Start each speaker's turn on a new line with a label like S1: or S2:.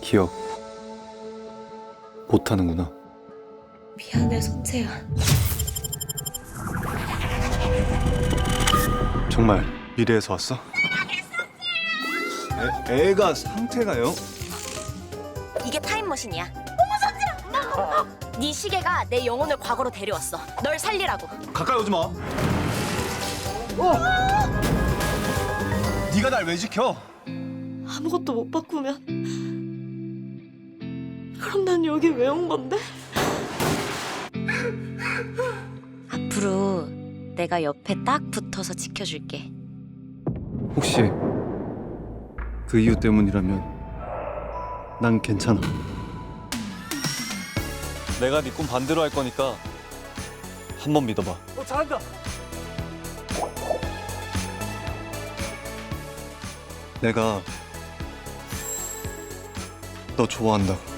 S1: 기억 못하는구나.
S2: 미안해, 선재야.
S1: 정말 미래에서 왔어? 애가 상태가요?
S3: 이게 타임머신이야. 어머 선지라! 네 시계가 내 영혼을 과거로 데려왔어. 널 살리라고.
S1: 가까이 오지 마. 네가 날 왜 지켜?
S2: 아무것도 못 바꾸면 그럼 난 여기 왜 온 건데?
S3: 앞으로 내가 옆에 딱 붙어서 지켜줄게.
S1: 혹시 그 이유 때문이라면 난 괜찮아. 내가 네 꿈 반대로 할 거니까 한 번 믿어봐.
S4: 잘한다.
S1: 내가 너 좋아한다고.